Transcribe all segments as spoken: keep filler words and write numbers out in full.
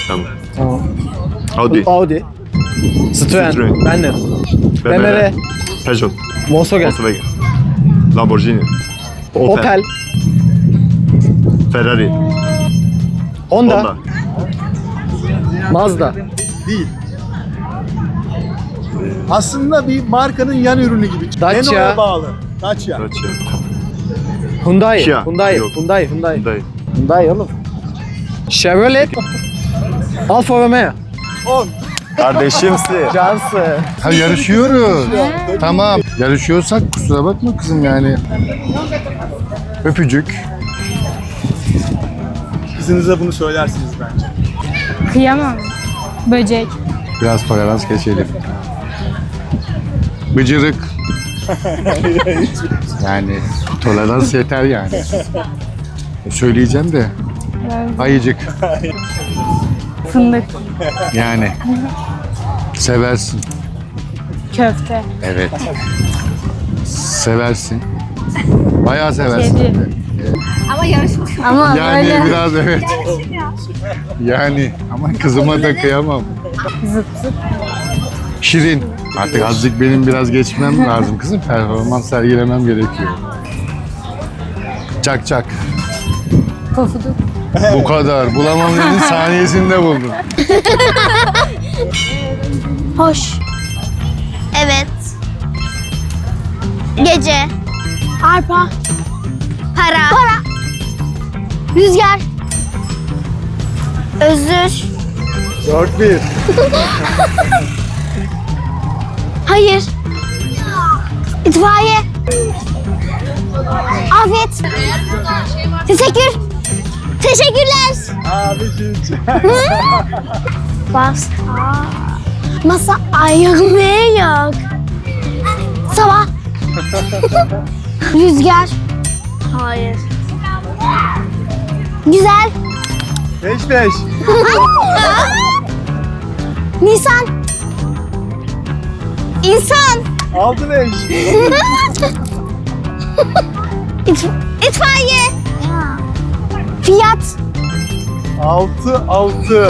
Tamam. Tamam. Audi. Audi. Citroen. Citroen. Ben de. B M W. Peugeot. Volkswagen. Volkswagen. Lamborghini. Opel. Opel. Ferrari. Honda. Honda. Mazda. Değil. Aslında bir markanın yan ürünü gibi. Dacia. Renault'a bağlı. Dacia. Dacia. Hyundai. Kia. Hyundai. Yok. Hyundai. Hyundai. Hyundai. Hyundai oğlum. Chevrolet. Alfa Romeo. on. Kardeşimsin. Cansı. Ha yarışıyoruz. Tamam. Yarışıyorsak kusura bakma kızım yani. Öpücük. Kızınıza bunu söylersiniz bence. Kıyamam. Böcek. Biraz tolerans geçelim. Bıcırık. Yani tolerans yeter yani. Söyleyeceğim de. Ayıcık. Fındık. Yani. Seversin. Köfte. Evet. Seversin. Bayağı seversin. Kedi. Ama yarışmış. Ama Yani böyle biraz evet. Yani ama kızıma da kıyamam. zıp zıp. Şirin. Artık azıcık benim biraz geçmem lazım kızım. Performans sergilemem gerekiyor. Çak çak. Pofuduk. Bu kadar. Bulamam dedin saniyesinde buldum. Hoş. Evet. Gece. Arpa. Para. Para. Rüzgar. Özür. dört bir. Hayır. İtfaiye. Afiyet. Teşekkür. Teşekkürler. Abicim. Bas. Masa ayağı yok. Sabah. Rüzgar. Hayır. Güzel. beş beş. Nisan. İnsan. altı beş. İt- itfaiye. Fiyat. altı altı.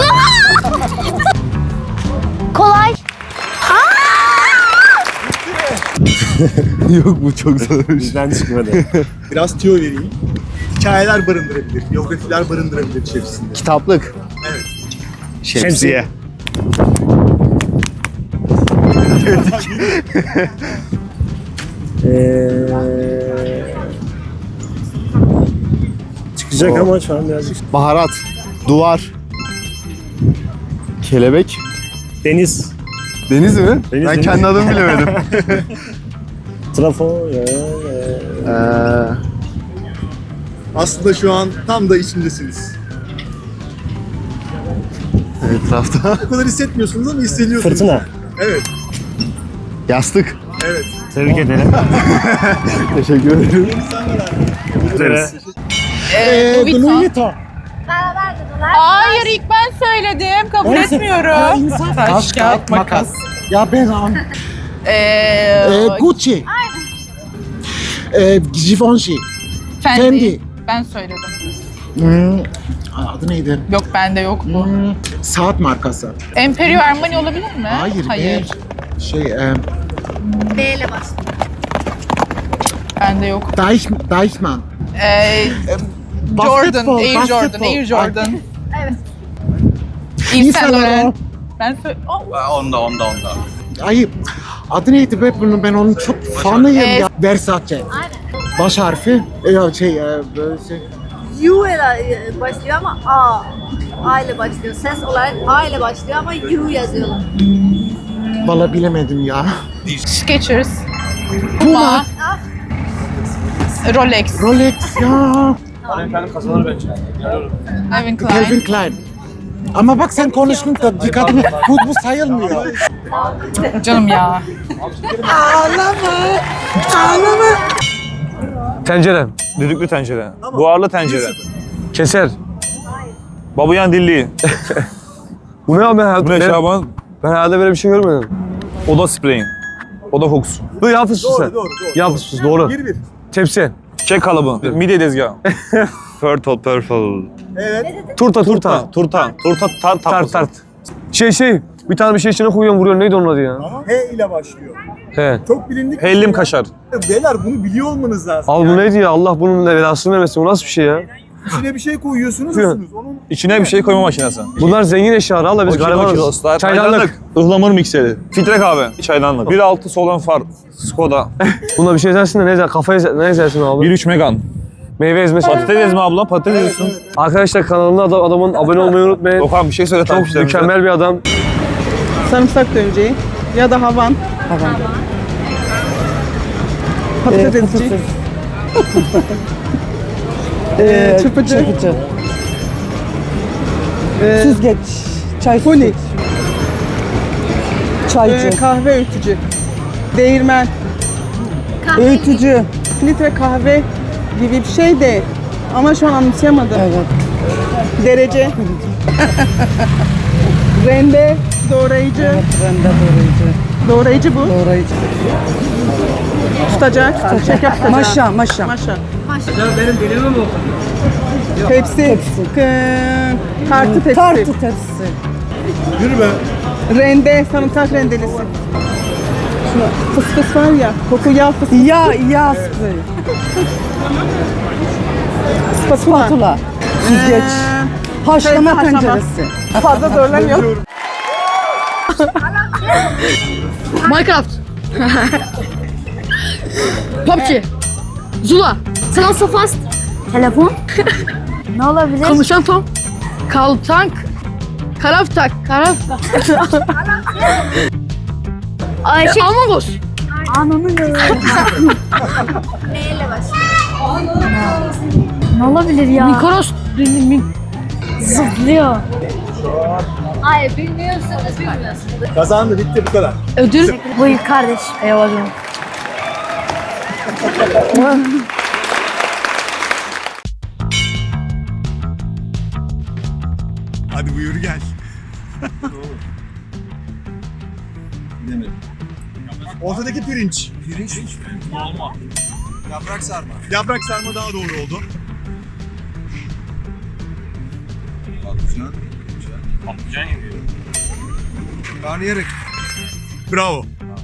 Kolay. Yok bu çok zor. Bizden çıkmadı. Biraz tüyo vereyim. Hikayeler barındırabilir, biyografiler barındırabilir içerisinde. Kitaplık. Evet. Şemsiye. Çıkacak ama şu an birazcık. Baharat. Duvar. Kelebek. Deniz, Deniz mi? Deniz, ben deniz. kendi adımı bilemedim. trafo, ya, Ee, Aslında şu an tam da içindesiniz. Etrafta. O kadar hissetmiyorsunuz ama hissediyorsunuz. fırtına. Evet, yastık. evet. Tebrik ederim. Teşekkür ederim. Eee, Louis Vuitton. Hayır ilk ben söyledim. Kabul Neyse. etmiyorum. Taş, kağıt, makas. Ya ben an. Ee, Eee, Gucci. Eee, Givenchy. Fendi. Fendi. Ben söyledim. Hmm, adı neydi? Yok bende yok bu. Hmm, saat markası. Emporio Armani olabilir mi? Hayır, Hayır. ben şey, eee, B ile başlıyor. Bende yok. Deich, Deichmann. Ee, Jordan, Basketbol, Air Jordan, basketbol. Air Jordan. Evet. Yves Saint Saint Laurent. Laurent. Ben sö- oh. Ay, adı neydi be bunun, ben onun çok fanıyım Ee, ya. Versace. Baş harfi. Ya şey, eee, böyle şey. U ile başlıyor ama A. A ile başlıyor. Ses olarak A ile başlıyor ama U yazıyorlar. Valla bilemedim ya. Skechers. Puma. Rolex. Rolex ya. Calvin Klein. Calvin Klein. Ama bak sen konuştun da dikkatimi. Bu, bu sayılmıyor. Canım ya. Tencere. Düdüklü tencere. Buharlı tencere. Keser. Babuyan dilli. Bu ne abi? Ben, Bu ne ben, Şaban? ben hayatımda böyle bir şey görmedim. Oda spreyin. Oda kokusu. Bu yağ fıstığı sen. Doğru, doğru, doğru. Yağ fıstığı doğru. bir bir. Tepsi. Kek kalıbı. Midye tezgahı. Purple, purple. Evet. Turta, turta, turta, turta, tart, tart, tart. Şey şey, bir tane bir şey içine koyuyorsun, vuruyorsun. Neydi onun adı ya? Ama H ile başlıyor. He. Çok bilindik. bir Hellim şey. kaşar. Beyler bunu biliyor olmanız lazım. Al bu Yani neydi ya? Allah bunun belasını vermesin. Bu nasıl bir şey ya? İçine bir şey koyuyorsunuz. Buyurun. ısınız. Onun İçine bir şey koyma makinesi. Bunlar zengin eşyalar. Allah biz garibanız. Çaydanlık. Ihlamur mikseri. Filtre kahve. Çaydanlık. bir altı Solan Far. Skoda. Buna bir şey ezersin de ne ezer? Kafaya ezer, ne ezersin abi? bir üç Megan. Meyve ezmesi. Patates ezme abla. Patates eziyorsun. Arkadaşlar kanalına adam, adamın abone olmayı unutmayın. Okan bir şey söyle Çok takipçilerimize. mükemmel bir adam. Sarımsak döneceği ya da havan. Havan. Patates ezici. Ee, çırpıcı. Çırpıcı. Ee, Süzgeç. Çay süzgeç. Çaycı. Ee, kahve öğütücü. Değirmen. Kahve. Öğütücü. Filtre kahve gibi bir şey de ama şu an anımsayamadım. Evet. Derece. Rende, doğrayıcı. Evet, rende doğrayıcı. Doğrayıcı bu. Doğrayıcı. Tutacak. Tutacak. Şeker tutacak. Maşa, maşa. Maşa. Maşa. Benim dilimim o. Tepsi. Tepsi. K- tartı tepsi. Tartı tepsi. yürü be. Rende, sarımsak rendelisi. Şuna fıs fıs var ya, koku yağ fıs fıs. Yağ, yağ sprey. Spatula. Spatula. Süzgeç. Ee, haşlama tenceresi. Fazla zorlamıyorum. Minecraft. P U B G. Zula. San Sofast. Telefon. Ne olabilir? Konuşan Tom. Kaltank. Karaftak. Karaf. Ayşe. Among Us. Ananı B ile başlıyor. Ne olabilir ya? Mikoros. Zıplıyor. Hayır bilmiyorsunuz bilmiyorsunuz. Kazandı bitti bu kadar. Ödül. Buyur kardeş. Eyvallah. Hadi buyur gel. Ortadaki pirinç. Pirinç. Olma. Yaprak sarma. Yaprak sarma daha doğru oldu. Patlıcan. Patlıcan yemiyor. Karnıyarık. Bravo.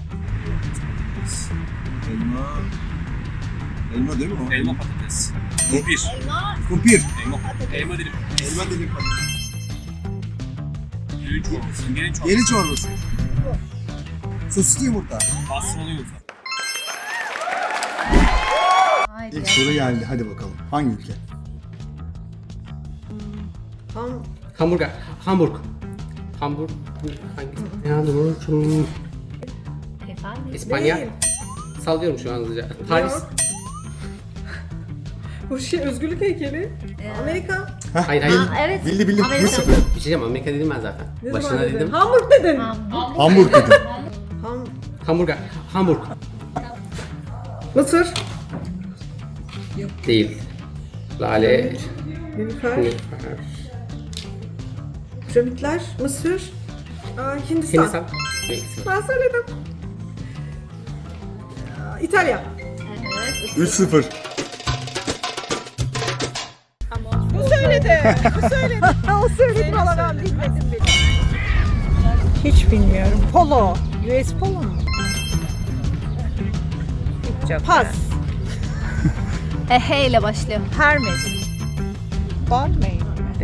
Elma. Elma değil mi o? Elma patates. Kumpir. Elma. Kumpir. Elma. Elma dilim. Elma dilim patates. Gelin çorbası. Gelin çorbası. Gelin çorbası. Sosisli yumurta. Pastırmalı yumurta. İlk soru geldi. Hadi bakalım. Hangi ülke? Ham Hamburger. Hamburg. Hamburg. Hangisi? Hamburg. İspanya. Sallıyorum şu an hızlıca. Paris. Bu şey özgürlük heykeli. Amerika. Hayır hayır. Aa, evet. Bildi bildi. Amerika. bir sıfır. Bir şey diyeceğim, Amerika dedim ben zaten. Ne Başına zaman dedin? dedim. Hamburg dedin. Hamburg dedim. Ham Hamburger. Hamburg. Mısır. Değil. Lale. Nilüfer. Nilüfer. Piramitler. Mısır. Aa, Hindistan. Hindistan. Meksika. Ben söyledim. Aa, İtalya. üç sıfır. Bu söyledi. Bu söyledi. O söyledi falan ben bilmedim bile. Hiç bilmiyorum. Polo. U S Polo mu? Pas. E, H ile başlıyor. Hermes. Balmain.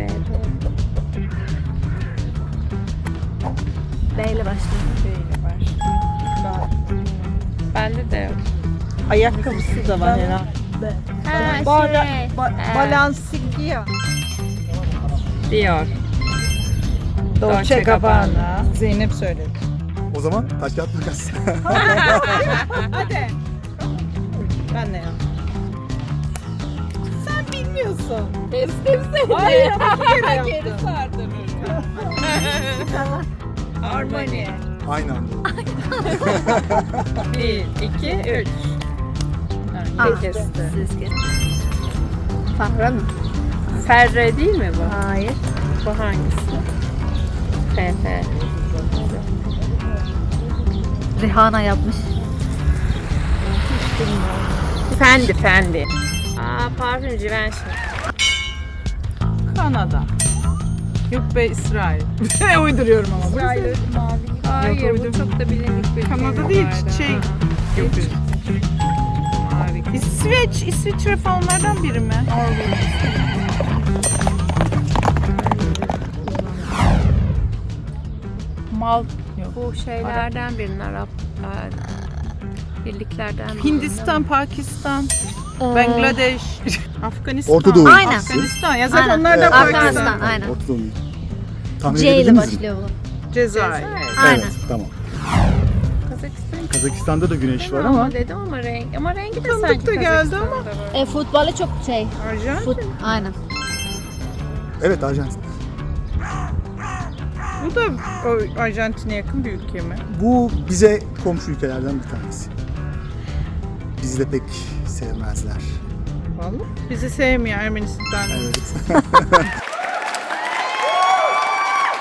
B ile başlıyor. Bende de yok. Ayakkabısı da var herhalde. Ha, Bala, şey. ba, Ee, Balenciaga. Dior. Dolce Gabbana. Zeynep söyledi. O zaman taş kağıt makas. Hadi. Ben ne ya? Sen bilmiyorsun. Kestim seni. Hayır ama bir kere yaptım. Geri sardın. Armani. Aynı anda. Bir, iki, üç. Ah, Kesti. siz kestin. Fahra mı? Ferre değil mi bu? Hayır. Bu hangisi? F F. Rihanna yapmış. Fendi, Fendi. Aa, parfüm Givenchy. Kanada. Yok be İsrail. Uyduruyorum ama. İsrail mavi. Hayır Yok, bu uydum. çok da bilindik bir Kanada değil, şey. Yok. Harika. İsveç, İsviçre falan onlardan biri mi? Mal. Yok. Bu şeylerden birinin Arap e, birliklerden biri. Hindistan, Pakistan, Bangladeş, Afganistan. Orta Doğu. Aynen. Afganistan. Ya zaten Aynen. onlar da Pakistan. Afganistan aynen. Orta Doğu. Tahmin C ile edebildiniz mi? başlıyor bu. Cezayir. Aynen. Evet, tamam. Kazakistan. Kazakistan'da da güneş var Ama ama dedim ama renk ama rengi de Tanıdık sanki da geldi Kazakistan'da ama. böyle. E, futbolu çok şey. Arjantin. Fut, aynen. evet Arjantin. Bu da o Arjantin'e yakın bir ülke mi? Bu bize komşu ülkelerden bir tanesi. Bizi de pek sevmezler. Vallahi. Bizi sevmiyor Ermenistan. Evet.